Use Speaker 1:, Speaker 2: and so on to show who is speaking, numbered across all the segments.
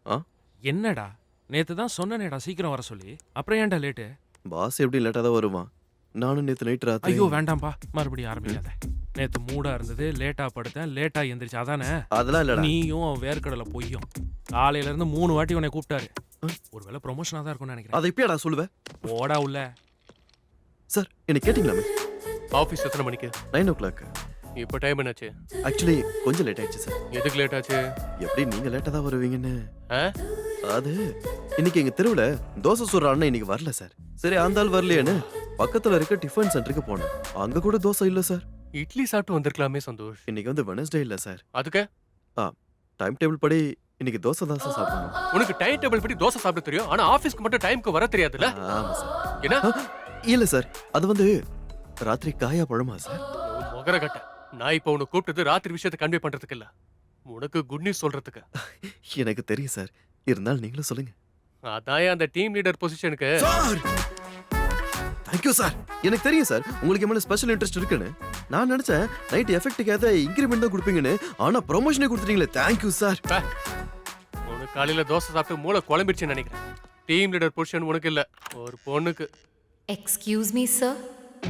Speaker 1: ஆ
Speaker 2: என்னடா நேத்து தான் சொன்னேனேடா சீக்கிரம் வர சொல்லி, அப்புறம் ஏன்டா லேட்டு?
Speaker 1: பாஸ் எப்படி லேட்டாக தான் வருவான். நானும் நேற்று நைட் ராத்திரி
Speaker 2: ஐயோ வேண்டாம்பா, மறுபடியும் ஆரம்பிக்காத. நேத்து மூடா இருந்தது, லேட்டா படுத்தேன், லேட்டா எந்திரிச்சு அதானே?
Speaker 1: அதெல்லாம் இல்லடா.
Speaker 2: நீயும் அவன் வேர்க்கடலை பொய்யும். காலையில இருந்து 3 வாட்டி உன்னை கூப்பிட்டாரு. ஒருவேளை ப்ரொமோஷனா தான் இருக்கும்னு நினைக்கிறேன்.
Speaker 1: அதை இப்பயாடா சொல்லுவேன்.
Speaker 2: போடா உள்ள.
Speaker 1: சார் என்ன கேட்டிங்களாமே?
Speaker 3: ஆஃபீஸ் எத்தனை மணிக்கு?
Speaker 1: 9:00.
Speaker 3: இப்போ டைம் என்னாச்சு?
Speaker 1: ஆக்சுவலி கொஞ்சம் லேட் ஆயிடுச்சு சார்.
Speaker 3: எதுக்கு லேட் ஆச்சு?
Speaker 1: எப்படி நீங்க லேட்டாக தான் வருவீங்கன்னு.
Speaker 3: ஆ?
Speaker 1: அது இன்னைக்கு எங்க தெருவுல தோசை சுடுற அண்ணன் இன்னைக்கு வரல சார். சரி அந்த ஆள் வரலையேன்னு பக்கத்துல இருக்க டிஃபன் சென்டருக்கு போனேன். அங்க கூட தோசை இல்ல சார்.
Speaker 3: இட்லி சாப்பிட்டு வந்திருக்கலாமே சந்தோஷ்.
Speaker 1: இன்னைக்கு வந்து வெனஸ்டே இல்ல சார்.
Speaker 3: அதுக்கு
Speaker 1: டைம் டேபிள் படி இன்னைக்கு தோசை தான் சார் சாப்பிடணும்.
Speaker 3: உனக்கு டைம் டேபிள் படி தோசை சாப்பிட தெரியும், ஆனா ஆபீஸ்க்கு மட்டும் டைம்க்கு வர தெரியாதுல்ல?
Speaker 1: ஆமா சார்.
Speaker 3: என்ன?
Speaker 1: இல்ல சார், அது வந்து ராத்திரி காயா பழமா சார்.
Speaker 3: முகர கட்ட. நான் இப்போ உன்னை கூப்பிட்டது ராத்திரி விஷயத்தை கன்வே பண்றதுக்கு இல்ல, உனக்கு குட் நியூஸ் சொல்றதுக்கு.
Speaker 1: எனக்கு தெரியும் சார், இருந்தாலும் நீங்களும் சொல்லுங்க.
Speaker 3: அதான் அந்த டீம் லீடர் பொசிஷனுக்கு.
Speaker 1: Thank you sir. எனக்கு தெரியும் சார் உங்களுக்கு எவ்வளவு ஸ்பெஷல் இன்ட்ரெஸ்ட் இருக்குன்னு. நான் நினைச்சேன் நைட் எஃபெக்ட்டுக்காக இன்கிரிமெண்ட் தான் கொடுப்பீங்கன்னு, ஆனா ப்ரொமோஷனே கொடுத்துட்டீங்களே. Thank you sir.
Speaker 3: உனக்கு காலையில தோசை சாப்பிட்டு மூளை குழம்பிடுச்சுன்னு நினைக்கிறேன். டீம் லீடர் பொசிஷன் உனக்கு இல்ல, ஒரு பொண்ணுக்கு.
Speaker 4: Excuse me sir.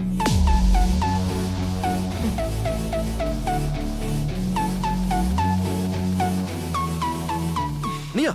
Speaker 1: நீயா?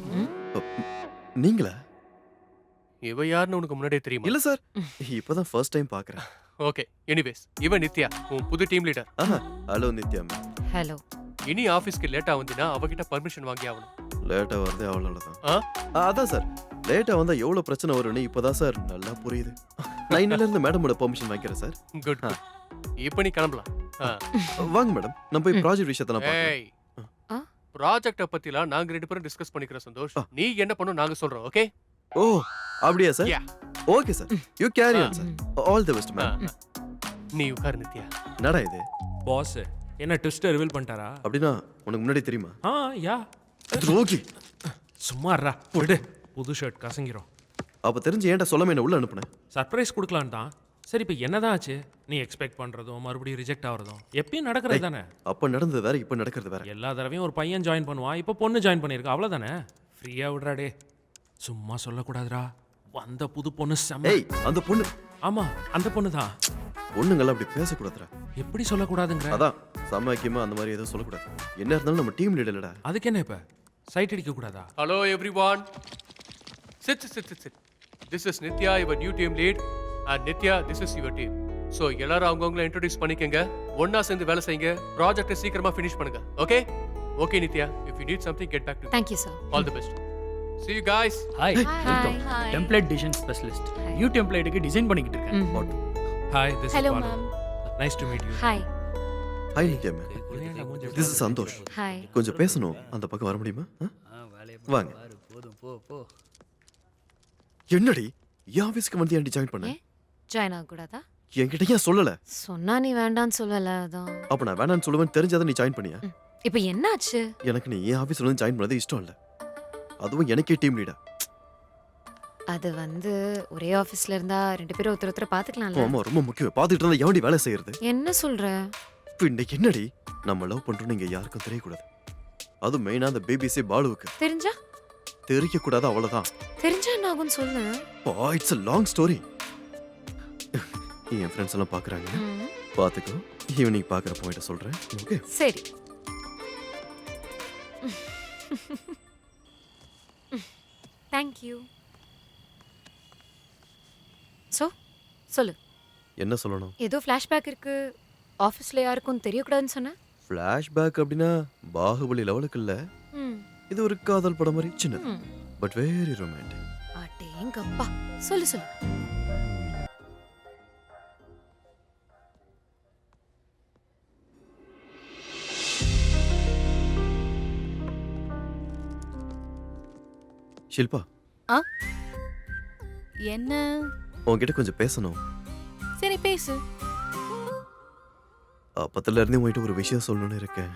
Speaker 1: நீங்களா?
Speaker 3: இவ யாருன்னு உனக்கு முன்னாடியே தெரியுமா?
Speaker 1: இல்ல சார், இப்பதான் ஃபர்ஸ்ட் டைம் பாக்குறேன்.
Speaker 3: ஓகே, எனிவேஸ் இவ நித்யா, உன் புது team leader.
Speaker 1: Hello Nithya ma'am.
Speaker 4: Hello.
Speaker 3: இனி ஆபீஸ்க்கு லேட்டா வந்தினா அவகிட்ட பர்மிஷன் வாங்கி ஆகணும்.
Speaker 1: லேட்டா வருது அவ்வளவுதான். அதான் சார், லேட்டா வந்தா எவ்வளவு பிரச்சனை வரும்னு இப்பதான் சார் நல்லா புரியுது. நான் இன்னில இருந்து மேடமோட பெர்மிஷன் வாங்கிக்கிறேன் சார்.
Speaker 3: குட். இப்போ நீ கிளம்பலாம்.
Speaker 1: வாங்க மேடம், நம்ம போய் ப்ராஜெக்ட் விஷயத்தை நான் பார்க்கலாம்.
Speaker 3: ஏய், ப்ராஜெக்ட்ட பத்திலாம் நாங்க ரெண்டு பேரும் டிஸ்கஸ் பண்ணிக்கிறோம் சந்தோஷ். நீ என்ன பண்ணணும் நாங்க சொல்றோம். ஓகே?
Speaker 1: ஓ அப்படியே sir.
Speaker 3: Yeah.
Speaker 1: Okay sir, you carry on sir. All the best ma'am.
Speaker 3: நீ உட்கார் நித்யா.
Speaker 1: என்னடா இது?
Speaker 2: பாஸ் என்ன ட்விஸ்ட் ரிவீல் பண்ணிட்டாரா?
Speaker 1: அப்படினா உனக்கு முன்னாடி தெரியுமா?
Speaker 2: யா.
Speaker 1: துரோகி.
Speaker 2: சும்மா இருடா, விடு. புது ஷர்ட் கசங்கிரும்.
Speaker 1: அப்ப தெரிஞ்சு ஏன்டா சொல்லாம என்ன உள்ள அனுப்புனே?
Speaker 2: சர்ப்ரைஸ் கொடுக்கலான்னு தான். சரி இப்போ என்னதான் ஆச்சு? நீ எக்ஸ்பெக்ட் பண்றதும் மறுபடியும் ரிஜெக்ட் ஆகிறதும் எப்பயும் நடக்கிறது தானே?
Speaker 1: அப்ப நடந்தது வேற, இப்ப நடக்கிறது வேற.
Speaker 2: எல்லா தடவையும் ஒரு பையன் ஜாயின் பண்ணுவான், இப்போ பொண்ணு ஜாயின் பண்ணியிருக்கா, அவ்வளோதானே? ஃப்ரீயா விடுறாடே. சும்மா சொல்லக்கூடாதுடா. வந்த புது பொண்ணு செம்ம.
Speaker 1: ஏய் அந்த பொண்ணு.
Speaker 2: ஆமா அந்த பொண்ணு தான்.
Speaker 1: பொண்ணுங்கள அப்படி பேசக்கூடாதுடா.
Speaker 2: எப்படி சொல்லக்கூடாதுங்கிற?
Speaker 1: அதான் சமாக்கியமா அந்த மாதிரி எதுவும் சொல்லக்கூடாது. என்ன இருந்தாலும் நம்ம டீம் லீடர் இல்லடா.
Speaker 2: அதுக்கு என்ன இப்ப சைட் அடிக்க கூடாதா?
Speaker 3: Hello everyone. Sit. This is Nitya, your new team lead. And Nitya, this is your team. So எல்லாரும் அவங்கவங்கள இன்ட்ரோடியூஸ் பண்ணிக்கங்க. ஒண்ணா சேர்ந்து வேலை செய்யுங்க. ப்ராஜெக்ட்டை சீக்கிரமா ஃபினிஷ் பண்ணுங்க. Okay? Okay Nithya. If you need something, get back to me.
Speaker 4: Thank you sir.
Speaker 3: All the best. See you guys.
Speaker 5: Hi.
Speaker 4: Welcome.
Speaker 5: Template design specialist.
Speaker 4: Hi.
Speaker 5: New template க்கு டிசைன் பண்ணிக்கிட்டு இருக்கேன்.
Speaker 2: Hi, this is
Speaker 4: Hello
Speaker 2: Balu.
Speaker 4: ma'am.
Speaker 2: Nice to meet you.
Speaker 4: Hi.
Speaker 1: Hi Nithya ma'am. This is Santhosh.
Speaker 4: Hi.
Speaker 1: கொஞ்சம் பேசணும், அந்த பக்கம் வர முடியுமா? வாங்க.
Speaker 5: போதும் போ.
Speaker 1: என்னடி என் ஆபீஸ்க்கு வந்து ஏன்டி ஜாயின் பண்ண?
Speaker 4: ஜாயின் ஆக கூடாதா?
Speaker 1: என்கிட்ட ஏன் சொல்லல?
Speaker 4: சொன்னா நீ வேண்டான்னு சொல்லல அதான்.
Speaker 1: அப்ப நான் வேணான்னு சொல்லுவேன் தெரிஞ்சாதான் நீ ஜாயின் பண்ணியா?
Speaker 4: இப்போ என்னாச்சு?
Speaker 1: எனக்கு நீ என் ஆபீஸ்ல வந்து ஜாயின் பண்ணது இஷ்டம் இல்ல. அதுவும் எனக்கே டீம் லீடர்.
Speaker 4: அது வந்து ஒரே ஆபீஸ்ல இருந்தா ரெண்டு பேரும் ஒருத்தர் பாத்துக்கலாம்ல.
Speaker 1: ஆமா ரொம்ப முக்கியம். பாத்துட்டு இருந்தா எவன்டி வேலை செய்யறது?
Speaker 4: என்ன சொல்ற?
Speaker 1: பின்ன என்னடி நம்ம லவ் பண்றோம் நீங்க யாருக்கும் தெரியக்கூடாது. அது மெயினா அந்த பிபிசி பாலுவுக்கு
Speaker 4: தெரிஞ்சா?
Speaker 1: தெரியக்கூடாது அவ்வளவுதான்.
Speaker 4: தெரிஞ்சா என்ன ஆகும்னு சொல்லு.
Speaker 1: It's a long story. என் ஃப்ரெண்ட்ஸ் எல்லாம் பாக்குறாங்க. பாத்துக்கோ, ஈவினிங் பாக்குற பாயிண்ட சொல்றேன். ஓகே
Speaker 4: சரி. Thank you. சொல்லு.
Speaker 1: என்ன சொல்லணும்?
Speaker 4: ஏதோ ஃபிளாஷ்பேக் இருக்கு. ஆபீஸ்ல யாருக்கும் தெரியக்கூடாதுன்னு சொன்ன?
Speaker 1: ஃபிளாஷ்பேக் அப்படின்னா பாகுபலி லெவலுக்கு இல்ல. இது ஒரு காதல் படம் மாதிரி சின்னது. But very romantic.
Speaker 4: அடேங்கப்பா. சொல்லு.
Speaker 1: ஷில்பா.
Speaker 6: என்ன?
Speaker 1: உன்கிட்ட கொஞ்சம் பேசணும்.
Speaker 6: சரி பேசு.
Speaker 1: அப்பத்துல இருந்தே உன்கிட்ட ஒரு விஷயம் சொல்லணும்னு இருக்கேன்.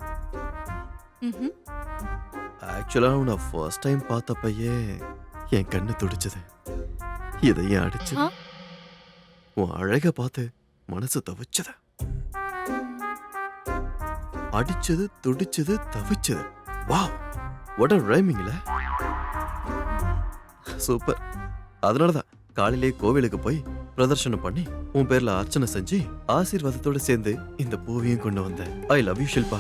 Speaker 1: ஆக்சுவலா உன்னை ஃபர்ஸ்ட் டைம் பார்த்தப்பயே என் கண்ணு துடிச்சது. இதையும் அடிச்சு உன் அழக பார்த்து மனசு தவிச்சது. அடிச்சது துடிச்சது தவிச்சது. வாவ், what a rhymingல சூப்பர். அதனாலதான் காலையிலே கோவிலுக்கு போய் பிரதர்ஷனம் பண்ணி உன் பேர்ல அர்ச்சனை செஞ்சு ஆசீர்வாதத்தோட சேர்ந்து இந்த பூவையும் கொண்டு வந்தேன். I love you Shilpa.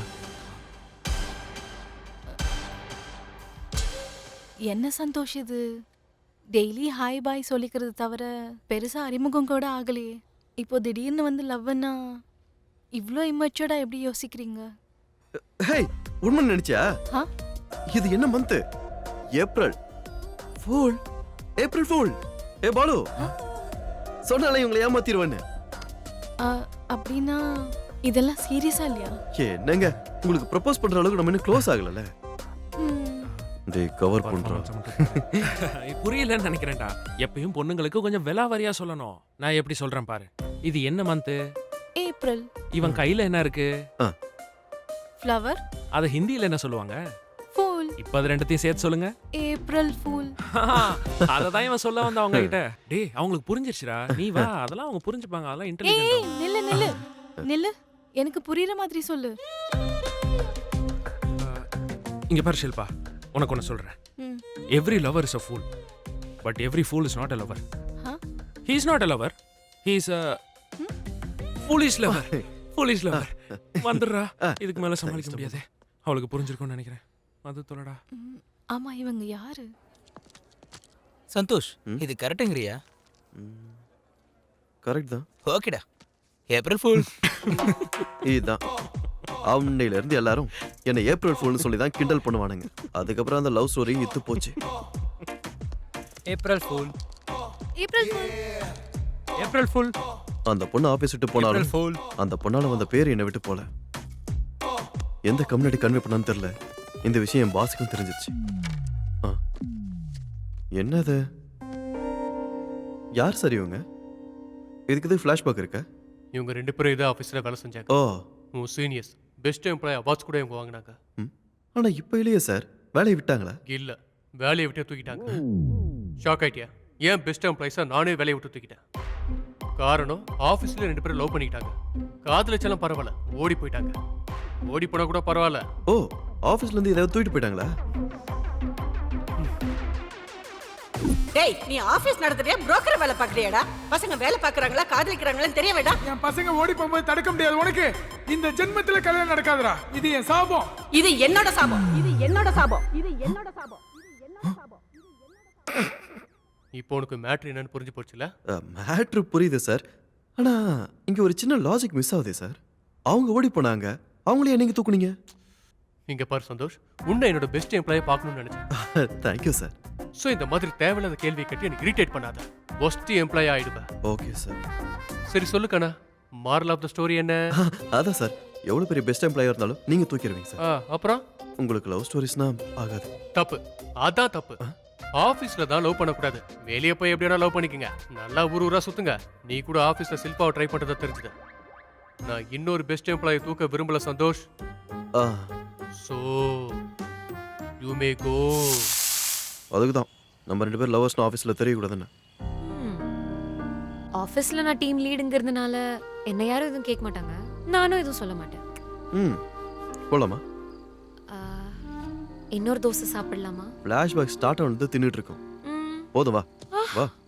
Speaker 6: என்ன சந்தோஷ் இது? டெய்லி ஹாய் பாய் சொல்லிக்கிறது தவிர பெருசா அறிமுகம் கூட ஆகலையே. இப்போ திடீர்னு வந்து லவ்னா இவ்ளோ இம்மச்சூர்டா எப்படி யோசிக்கிறீங்க?
Speaker 1: ஹேய், உண்மை நினைச்சியா?
Speaker 6: ஆ?
Speaker 1: இது என்ன month? April fool. April fool. ஏ பாலு, சொன்னாலே இவங்களை ஏமாத்திடுவேன்னு.
Speaker 6: அப்படின்னா இதெல்லாம் சீரியஸா இல்லையா?
Speaker 1: என்னங்க, உங்களுக்கு ப்ரப்போஸ் பண்ற அளவுக்கு நம்ம இன்னும் க்ளோஸ் ஆகலல.
Speaker 6: ம்,
Speaker 1: டேய் கவர் பண்றோம்.
Speaker 2: புரியலன்னு நினைக்கிறேன்டா. எப்பயும் பொண்ணுங்களுக்கு கொஞ்சம் விலாவாரியா சொல்லணும். நான் எப்படி சொல்றேன் பாரு. இது என்ன மந்த்?
Speaker 6: ஏப்ரல்.
Speaker 2: இவன் கையில என்ன இருக்கு?
Speaker 6: ஃப்ளவர்.
Speaker 2: அத ஹிந்தியில என்ன சொல்லுவாங்க?
Speaker 6: ஃபூல்.
Speaker 2: இப்ப அது ரெண்டத்தையும் சேர்த்து சொல்லுங்க.
Speaker 6: April fool.
Speaker 2: அததான் இவன் சொல்ல வந்த அவங்க கிட்ட. டேய் அவங்களுக்கு புரிஞ்சிருச்சுடா. நீ வா, அதெல்லாம் அவங்க புரிஞ்சுப்பாங்க. அதெல்லாம்
Speaker 6: ஏய்
Speaker 2: இன்டெலிஜென்ட்.
Speaker 6: நில்லு நில்லு நில்லு. எனக்கு புரியுற மாதிரி சொல்லு.
Speaker 2: இங்க பாரு ஷில்பா, உனக்கு ஒன்று சொல்றேன்.
Speaker 6: ம்.
Speaker 2: Every lover is a fool, but every fool is not a lover.
Speaker 6: Huh?
Speaker 2: He is not a lover, he is a foolish lover. Foolish lover. வந்துடுறா, இதுக்கு மேல சமாளிக்க முடியாது. அவளுக்கு புரிஞ்சிருக்கும்னு நினைக்கிறேன். அது சொல்லடா.
Speaker 6: ம், ஆமா இவங்க யாரு?
Speaker 7: சந்தோஷ், இது கரெக்டுங்கறியா?
Speaker 1: கரெக்ட் தான்.
Speaker 7: ஓகேடா. April fool.
Speaker 1: இதுதான். அவன்னையில இருந்து எல்லாரும் என்ன ஏப்ரல் ஃபூல்னு சொல்லி தான் கிண்டல் பண்ணுவானுங்க. அதுக்கப்புறம் அந்த லவ் ஸ்டோரி இத்து போச்சு.
Speaker 7: April fool.
Speaker 6: April fool.
Speaker 7: April fool.
Speaker 1: அந்த பொண்ணு ஆபீஸ் விட்டு போனாலும்
Speaker 7: ஃபூல்.
Speaker 1: அந்த பொண்ணால வந்த பேர் என்னை விட்டு போல. எந்த கம்யூனிட்டி கன்வே பண்ணான்னு தெரியல. இந்த விஷயம் என் பாஸுக்கும் தெரிஞ்சிருச்சு. என்னது? யார் சரி இவங்க? இதுக்கு இது ஃபிளாஷ்பேக் இருக்க?
Speaker 3: இவங்க 2 பேரும் இதே ஆஃபீஸில் வேலை செஞ்சாங்க.
Speaker 1: ஓ,
Speaker 3: உன் சீனியர்ஸ் பெஸ்ட் எம்ப்ளாய் அவார்ட்ஸ் கூட இவங்க வாங்கினாங்க.
Speaker 1: ஆனா இப்ப இல்லையே சார். வேலையை விட்டாங்களா?
Speaker 3: இல்ல, வேலையை விட்டு தூக்கிட்டாங்க. ஷாக் ஆயிட்டியா? ஏன் பெஸ்ட் எம்ப்ளாயிஸா நானே வேலையை விட்டு தூக்கிட்டேன். காரணம் ஆஃபீஸில் 2 பேரும் லவ் பண்ணிக்கிட்டாங்க. காதலிச்சாலும் பரவாயில்ல, ஓடி போயிட்டாங்க. ஓடி போனா கூட பரவாயில்ல.
Speaker 1: ஓ, ஆபீஸ்ல இருந்து ஏதாவது தூக்கிட்டு போயிட்டாங்களா?
Speaker 8: டேய், நீ ஆபீஸ் நடத்துறியா புரோக்கர் வேலை பாக்குறியாடா? பசங்க வேலை பாக்குறாங்களா காதலிக்கிறாங்களான்னு தெரிய வேண்டாம்.
Speaker 9: என் பசங்க ஓடி போகும்போது தடுக்க முடியாது உனக்கு. இந்த ஜென்மத்துல கல்யாணம் நடக்காதுடா. இது என் சாபம்.
Speaker 8: இது என்னோட சாபம். இது என்னோட சாபம். இது என்னோட சாபம். இது என்னோட சாபம்.
Speaker 3: இப்போ உனக்கு மேட்ரு என்னன்னு புரிஞ்சு போச்சுல?
Speaker 1: மேட்ரு புரியுது சார். ஆனா இங்க ஒரு சின்ன லாஜிக் மிஸ் ஆகுது சார். அவங்க ஓடி போனாங்க, அவங்களே நீங்க தூக்குனீங்க.
Speaker 3: இங்க பாரு சந்தோஷ், உன்னை என்னோட பெஸ்ட் எம்ப்ளாயை பார்க்கணும்னு நினைச்சேன்.
Speaker 1: Thank you sir.
Speaker 3: ஸோ இந்த மாதிரி தேவையில்லாத கேள்வி கேட்டு எனக்கு இரிட்டேட் பண்ணாத. ஒஸ்ட் எம்ப்ளாய் ஆயிடுவேன்.
Speaker 1: Okay sir.
Speaker 3: சரி சொல்லு கண்ணா, மாரல் ஆஃப் த ஸ்டோரி என்ன?
Speaker 1: அதான் சார், எவ்வளவு பெரிய பெஸ்ட் எம்ப்ளாயர் இருந்தாலும் நீங்க தூக்கிடுவீங்க சார்.
Speaker 3: அப்புறம்
Speaker 1: உங்களுக்கு லவ் ஸ்டோரிஸ்னா ஆகாது.
Speaker 3: தப்பு. அதான் தப்பு. ஆபீஸ்ல தான் லவ் பண்ணக்கூடாது. வெளியே போய் எப்படியா லவ் பண்ணிக்கங்க. நல்லா ஊரா சுத்துங்க. நீ கூட ஆபீஸ்ல சில்பாவை ட்ரை பண்றதா தெரிஞ்சுது. நான் இன்னொரு பெஸ்ட் எம்ப்ளாயை தூக்க விரும்பல சந்தோஷ்.
Speaker 1: ஆ,
Speaker 3: சோ யூ மே கோ.
Speaker 1: அதுக்கு தான் நம்ம 2 பேர் லவர்ஸ்னு ஆஃபீஸில் தெரியக்கூடாதுன்னு.
Speaker 4: ஆஃபீஸில் நான் டீம் லீடுங்கிறதுனால என்ன யாரும் எதுவும் கேட்க மாட்டாங்க. நானும் எதுவும் சொல்ல மாட்டேன்.
Speaker 1: ம், போலாமா?
Speaker 4: ஆ, இன்னொரு தோசை சாப்பிடலாமா?
Speaker 1: ஃப்ளாஷ்பேக் ஸ்டார்ட் ஆனது தின்னுட்டு இருக்கோம்.
Speaker 4: ம்.
Speaker 1: போதும் வா வா.